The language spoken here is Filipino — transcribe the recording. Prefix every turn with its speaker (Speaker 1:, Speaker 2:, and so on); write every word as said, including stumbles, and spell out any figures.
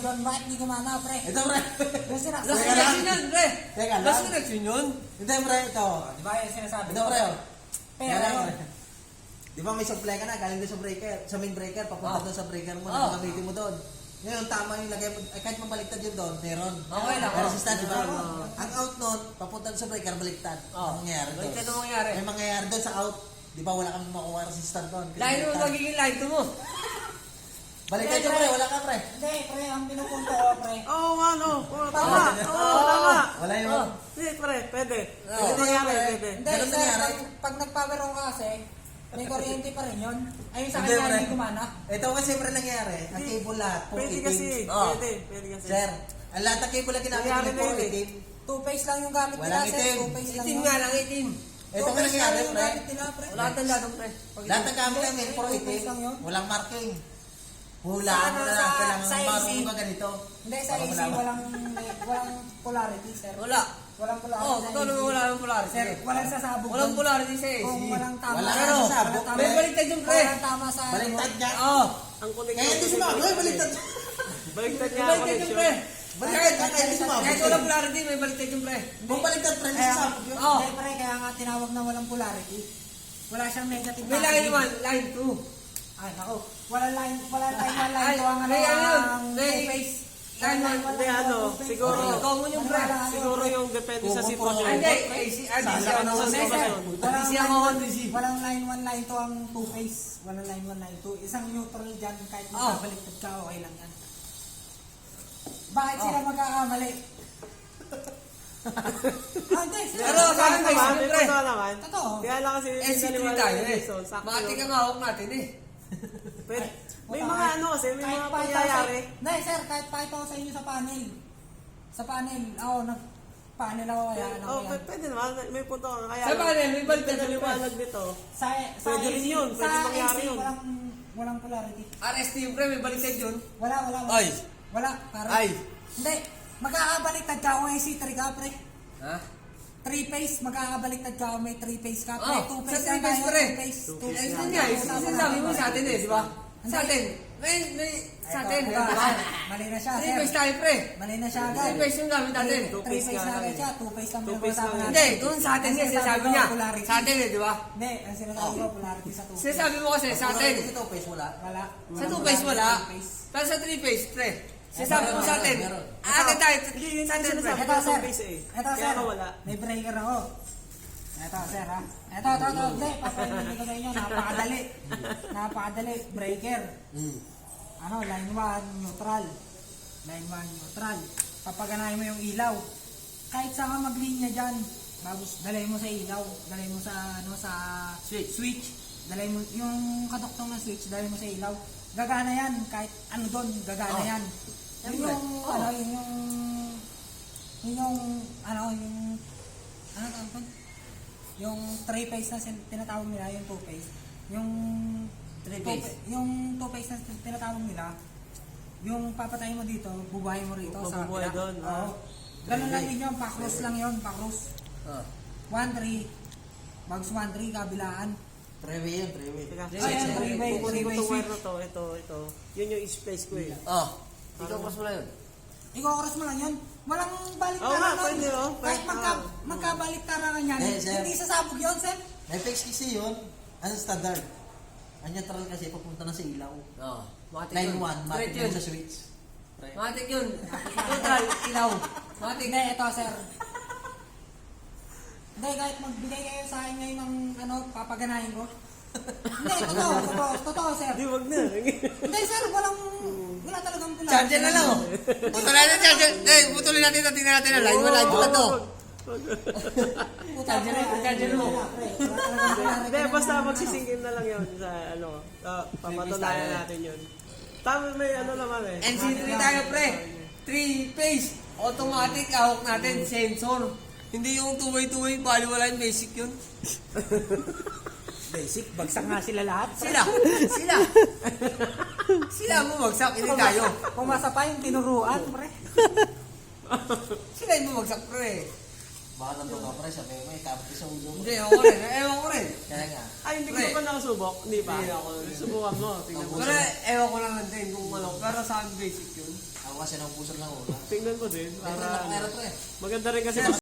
Speaker 1: John, bakit hindi gumana, pre?
Speaker 2: Ito, pre.
Speaker 1: Kasi na,
Speaker 3: Last connection yun, pre.
Speaker 2: Teka lang.
Speaker 3: Last connection yun.
Speaker 2: Ito, pre. Ito.
Speaker 1: di ba yung sinasabi?
Speaker 2: Ito, pre. oh.
Speaker 1: Pera
Speaker 2: Yan,
Speaker 1: yun.
Speaker 2: pre. Di ba may supply ka na, galing doon sa breaker, sa main breaker, papunta
Speaker 3: Oh.
Speaker 2: doon sa breaker mo,
Speaker 3: Oh.
Speaker 2: nakagamitin mo doon. Ngayon, tama yung lagay mo, eh, kahit mabaliktad yun doon, meron.
Speaker 3: Okay lang.
Speaker 2: May resistance, di ba?
Speaker 3: Oh.
Speaker 2: Ang out nun, papunta doon sa breaker, baliktad.
Speaker 3: Oh.
Speaker 2: Ang mangyayari doon.
Speaker 3: Baliktad ang mangyayari.
Speaker 2: May mangyayari doon sa out. Di ba wala kang makuha resistance doon? Kasi
Speaker 3: Line mo
Speaker 2: baliktad.
Speaker 3: magiging line to mo.
Speaker 2: Baliktad yun, pre. Wala ka, pre.
Speaker 1: Hindi, pre, ang pinupunto ko, pre.
Speaker 4: Oo nga, no. Oo, tama. Oo, tama.
Speaker 2: Wala yun.
Speaker 3: Oh.
Speaker 4: Hindi, pre, pwede.
Speaker 3: Oo.
Speaker 4: Pwede mangyari, pwede.
Speaker 1: Hindi,
Speaker 2: Ganun
Speaker 1: sir,
Speaker 2: nangyari.
Speaker 1: pag, pag nag-power on ka kasi, may kuryente pa rin yun. Ayun sa
Speaker 2: Hindi,
Speaker 1: kanya,
Speaker 2: pre.
Speaker 1: hindi gumana.
Speaker 2: Ito kasi, pre, nangyayari. Ang
Speaker 4: Hindi.
Speaker 2: cable lahat, puro
Speaker 4: Pwede
Speaker 2: itim.
Speaker 4: kasi.
Speaker 3: Oh.
Speaker 4: Pwede, pwede kasi.
Speaker 2: Sir, ang lahat ng cable na ginamit
Speaker 4: Nangyari
Speaker 2: ko, puro
Speaker 4: na yun, eh.
Speaker 2: itim.
Speaker 1: Two-phase lang yung gamit nila,
Speaker 2: Walang
Speaker 1: sir.
Speaker 2: itim.
Speaker 1: Two-phase lang
Speaker 3: Itim
Speaker 1: yun.
Speaker 3: nga lang, itim.
Speaker 2: Ito nga
Speaker 1: Two-phase
Speaker 2: nangyari,
Speaker 1: lang yung
Speaker 2: pre.
Speaker 1: gamit nila, pre.
Speaker 3: Wala tang ladong, pre.
Speaker 2: Lahat ng gamit namin, puro
Speaker 1: Two-phase
Speaker 2: itim.
Speaker 1: lang yun.
Speaker 2: Walang marking. Hulaan mo na lang,
Speaker 1: Sa-
Speaker 2: kailangan
Speaker 1: sa A C.
Speaker 2: marunong ka ganito.
Speaker 1: Hindi, sa
Speaker 2: Para
Speaker 1: A C,
Speaker 2: malaman.
Speaker 1: walang, walang polarity, sir.
Speaker 3: Wala.
Speaker 1: Walang polarity.
Speaker 3: Oh,
Speaker 1: sa
Speaker 3: totoo
Speaker 1: A C.
Speaker 3: naman wala ng polarity.
Speaker 1: Sir, walang sasabog.
Speaker 3: Walang
Speaker 1: doon.
Speaker 3: polarity sa A C.
Speaker 1: Kung walang tama.
Speaker 2: Wala
Speaker 1: sa-
Speaker 2: ka
Speaker 1: walang
Speaker 2: sasabog,
Speaker 1: tama-
Speaker 2: pre.
Speaker 3: May baliktad yung pre.
Speaker 1: Walang tama sa...
Speaker 2: Baliktad niya.
Speaker 3: Oo.
Speaker 4: Ang connection.
Speaker 2: Kaya hindi sumama. Ay, baliktad.
Speaker 4: Baliktad
Speaker 3: May
Speaker 4: niya ang
Speaker 3: baliktad yung
Speaker 4: connection.
Speaker 3: pre.
Speaker 2: Baliktad ka, kaya hindi sumama.
Speaker 3: Kahit walang polarity, may baliktad yung pre.
Speaker 2: Kung baliktad, pre, hindi
Speaker 1: Kaya,
Speaker 2: sasabog yun.
Speaker 3: Oh.
Speaker 1: Hindi, pre, kaya nga tinawag na walang polarity. Wala siyang negative.
Speaker 3: May line one, line two.
Speaker 1: Ay, nako. Walang line, walang line, walang line.
Speaker 3: Ay,
Speaker 1: Ito ang ano,
Speaker 3: may ano yun?
Speaker 1: ang
Speaker 3: May-
Speaker 1: two-phase.
Speaker 3: line one,
Speaker 4: Hindi, ano, siguro.
Speaker 3: Okay, common yung pre.
Speaker 4: Siguro yung depende sa
Speaker 2: Kung-
Speaker 4: sitwasyon.
Speaker 3: Ay, hindi. A C, R D C
Speaker 2: Sala ka
Speaker 3: ako
Speaker 2: naman
Speaker 3: sa
Speaker 2: sa
Speaker 3: session.
Speaker 1: Walang
Speaker 3: D C
Speaker 1: line
Speaker 3: ako
Speaker 1: one,
Speaker 3: on D C.
Speaker 1: walang line one, line two ang two-phase. Walang line one, line two. Isang neutral dyan, kahit
Speaker 3: Oh.
Speaker 1: magkabaliktad ka, okay lang yan. Bakit
Speaker 3: Oh.
Speaker 1: sila magkakamali? Ah, hindi. sila-
Speaker 3: Pero sa akin, may
Speaker 4: naman,
Speaker 3: siyempre.
Speaker 4: may totoo naman.
Speaker 1: Totoo.
Speaker 4: Kaya lang kasi
Speaker 3: N C three
Speaker 4: pinaniwala
Speaker 3: tayo
Speaker 4: ni
Speaker 3: eh.
Speaker 4: Jason, sakto
Speaker 3: Matik
Speaker 4: yun.
Speaker 3: ang hawak natin eh.
Speaker 4: Pwede. May
Speaker 1: Puta,
Speaker 4: mga ano kasi, may
Speaker 1: kahit
Speaker 4: mga
Speaker 1: pakita ko
Speaker 4: pangyayari.
Speaker 1: sa- Hindi, sir, kahit pakita ko sa inyo sa panel. Sa panel, ako, nag-panel ako kaya, ano
Speaker 4: Oh,
Speaker 1: kaya.
Speaker 4: p- pwede naman. May punto ka. Kaya
Speaker 3: Sa panel, may baliktad yung
Speaker 4: pinaliwanag nito.
Speaker 1: Sa, sa
Speaker 4: Pwede rin
Speaker 1: A C
Speaker 4: yun, pwede
Speaker 1: sa
Speaker 4: mangyari
Speaker 1: A C,
Speaker 4: yun.
Speaker 1: Walang, walang polarity.
Speaker 3: R S T yung pre, may baliktad yun.
Speaker 1: Wala, wala, wala.
Speaker 3: Ay.
Speaker 1: Wala, pare.
Speaker 3: Ay.
Speaker 1: Hindi, magkakabaliktad ka kung A C three ka, pre.
Speaker 3: Ha?
Speaker 1: Three phase, magkakabaliktad ka kung may three phase ka, pre.
Speaker 3: Oh,
Speaker 1: Two
Speaker 3: sa
Speaker 1: phase
Speaker 3: three
Speaker 1: lang
Speaker 3: phase,
Speaker 1: tayo,
Speaker 3: pre.
Speaker 1: two phase. Two
Speaker 3: Eh,
Speaker 1: phase
Speaker 3: yun
Speaker 1: lang
Speaker 3: nga,
Speaker 1: tayo.
Speaker 3: yung sinasabi mo sa atin eh, di ba? Sa atin. May, may, sa atin.
Speaker 1: Ito, ito, mali na siya,
Speaker 3: Three
Speaker 1: sir.
Speaker 3: phase tayo pre.
Speaker 1: Mali na siya agad.
Speaker 3: Three phase yung gamit natin.
Speaker 4: Two
Speaker 1: Three
Speaker 4: phase
Speaker 1: phase
Speaker 4: nga
Speaker 1: na
Speaker 4: lang
Speaker 1: agad
Speaker 4: eh.
Speaker 1: siya, two phase lang
Speaker 4: Two phase
Speaker 1: pinag-usapan
Speaker 4: lang.
Speaker 1: natin.
Speaker 3: Hindi, kung sa atin
Speaker 1: Ang
Speaker 3: nga sinasabi
Speaker 1: ko,
Speaker 3: niya.
Speaker 1: polarity.
Speaker 3: Sa atin eh, di ba?
Speaker 1: Hindi, ang sinasabi ko, polarity sa two phase.
Speaker 3: Sinasabi mo kasi sa atin.
Speaker 2: Ito, face wala.
Speaker 1: Wala.
Speaker 3: Sa two phase wala.
Speaker 1: Two phase.
Speaker 3: Pero sa three phase, pre. Sinasabi mo sa atin.
Speaker 2: Meron.
Speaker 3: Atin tayo.
Speaker 4: Hindi, yun
Speaker 3: Sa
Speaker 4: ang
Speaker 3: atin, pre.
Speaker 4: sinasabi.
Speaker 1: Ito,
Speaker 4: Two
Speaker 1: sir.
Speaker 4: phase eh.
Speaker 1: Ito,
Speaker 4: Kaya
Speaker 1: sir.
Speaker 4: ka wala.
Speaker 1: May breaker ako. Ito, sir, ha? Ito, ito, ito. Hindi, papahintindi ko sa inyo. Napakadali. Napakadali. Breaker.
Speaker 2: Hmm.
Speaker 1: Ano, line one, neutral. Line one, neutral. Papaganahin mo yung ilaw. Kahit saan ka maglinya dyan, babos, dalay mo sa ilaw. Dalay mo sa, ano, sa
Speaker 3: Switch.
Speaker 1: switch. Dalay mo, yung kadoktong ng switch, dalay mo sa ilaw. Gagana yan. Kahit ano doon, gagana
Speaker 3: Oh.
Speaker 1: yan. Yun
Speaker 3: Siyempre.
Speaker 1: yung,
Speaker 3: Oh.
Speaker 1: ano, yun yung, yun yung, ano, yung, ano tawag doon? Yung three phase na sin- tinatawag nila, yung two phase. Yung
Speaker 3: Three
Speaker 1: two
Speaker 3: phase.
Speaker 1: pa- yung two phase na tin- tinatawag nila, yung papatayin mo dito, bubuhay mo rito sa
Speaker 4: Mabubuhay
Speaker 1: kabila.
Speaker 4: doon, ah.
Speaker 1: Oo. Ganun lang din yun, pa-cross lang yun, pa-cross.
Speaker 3: Oh.
Speaker 1: one three, bags one three, kabilaan.
Speaker 2: Three-way yun, three-way.
Speaker 4: Teka,
Speaker 3: Ay,
Speaker 4: switch,
Speaker 1: ay, three-way,
Speaker 4: kukunin ko
Speaker 1: three-way
Speaker 4: tong wire
Speaker 1: switch.
Speaker 4: na to. Ito, ito. Yun yung space ko eh.
Speaker 3: Oh. Ikaw pas mo na yun.
Speaker 1: Iko-cross mo lang yun. Walang
Speaker 4: Oo
Speaker 1: baliktaran
Speaker 4: nga,
Speaker 1: nun.
Speaker 4: pwede, oh.
Speaker 1: Kahit
Speaker 4: Pwede,
Speaker 1: magka,
Speaker 4: oh.
Speaker 1: magkabaliktaran yan,
Speaker 2: Eh, sir.
Speaker 1: hindi sasabog yun, sir.
Speaker 2: F X kasi yun, ano standard? Ang neutral kasi papunta na sa ilaw.
Speaker 3: Oh. Matik
Speaker 2: Line
Speaker 3: yun.
Speaker 2: one,
Speaker 3: Straight
Speaker 2: matik
Speaker 3: yun.
Speaker 2: mo sa switch. Pre.
Speaker 3: Matik yun. Neutral, ilaw. Matik.
Speaker 1: Hindi, ito, sir. Hindi, kahit magbigay kayo sa akin ngayon ng ano, papaganahin ko. Hindi, totoo, totoo, totoo, sir.
Speaker 4: Di, wag na.
Speaker 1: Hindi, sir, walang, wala talagang pula.
Speaker 3: Charger na lang oh. Putulin natin charger. Eh, putulin natin ito. Tingnan natin na line. Wala line pa to.
Speaker 1: Charger na,
Speaker 3: charger mo.
Speaker 4: Hindi, basta magsisingkin na lang yun sa ano. Uh, papatunayan natin yun. Tama, may ano naman eh.
Speaker 3: N C three tayo pre. Three phase. Automatic hawak natin. Sensor. Hindi yung two-way two-way. Bali wala yung basic yun.
Speaker 1: Basic, bagsak nga sila lahat.
Speaker 3: Sila. Sila. Sila ang bumagsak. Hindi tayo.
Speaker 1: Pumasa pa yung tinuruan, pre.
Speaker 3: Sila yung bumagsak pre.
Speaker 2: Baka nandun ka pre, sabi mo, ikabot ka sa ulo mo.
Speaker 3: Hindi, ako rin. Ewan ko rin.
Speaker 2: Kaya nga.
Speaker 4: Ay, hindi
Speaker 3: Pre.
Speaker 4: ka pa nakasubok? Hindi pa?
Speaker 3: Hindi ako.
Speaker 4: Subukan mo. Tingnan mo.
Speaker 3: Pero ewan ko lang din kung ano. Pero sa akin basic yun.
Speaker 2: Ako kasi ng puso lang una.
Speaker 4: Tingnan mo din.
Speaker 2: Pero
Speaker 4: Para,
Speaker 2: nakakera pre.
Speaker 4: maganda rin kasi